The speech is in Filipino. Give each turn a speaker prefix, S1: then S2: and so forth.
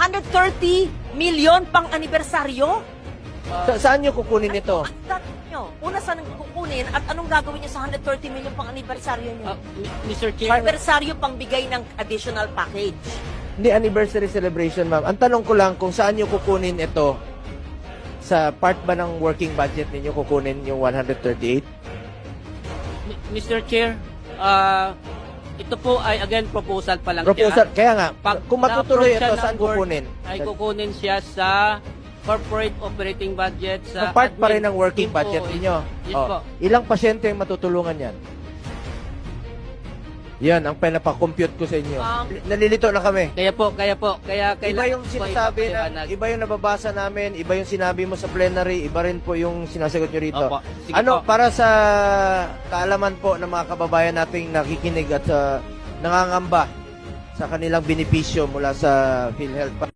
S1: 130 million pang anibersaryo?
S2: Saan nyo kukunin ito?
S1: Ang tanong nyo, una saan kukunin at anong gagawin nyo sa 130 million pang anibersaryo nyo?
S3: Mr. Chair,
S1: Anibersaryo pang bigay ng additional package.
S2: Hindi anniversary celebration, ma'am. Ang tanong ko lang kung saan nyo kukunin ito. Sa part ba ng working budget ninyo kukunin yung 138?
S3: Mr. Chair, ito po ay again proposal pa lang
S2: Proposal.
S3: siya.
S2: Kaya nga,
S3: Pag
S2: kung matutuloy
S3: na-approve siya
S2: ito,
S3: ng
S2: saan
S3: board,
S2: kukunin?
S3: Ay kukunin siya sa corporate operating budget
S2: So,
S3: sa
S2: part pa rin
S3: admin.
S2: ng working
S3: Yun po,
S2: budget ninyo.
S3: Yes
S2: Oh,
S3: po.
S2: ilang pasyente yung matutulungan yan? Yan, ang pinapakompute ko sa inyo. Nalilito na kami.
S3: Kaya
S2: Iba
S3: kailangan
S2: yung sinasabi na, iba yung nababasa namin, iba yung sinabi mo sa plenary, iba rin po yung sinasagot nyo rito.
S3: Opo. Sige
S2: Ano,
S3: po.
S2: para sa kaalaman po ng mga kababayan nating nakikinig at nangangamba sa kanilang benepisyo mula sa PhilHealth.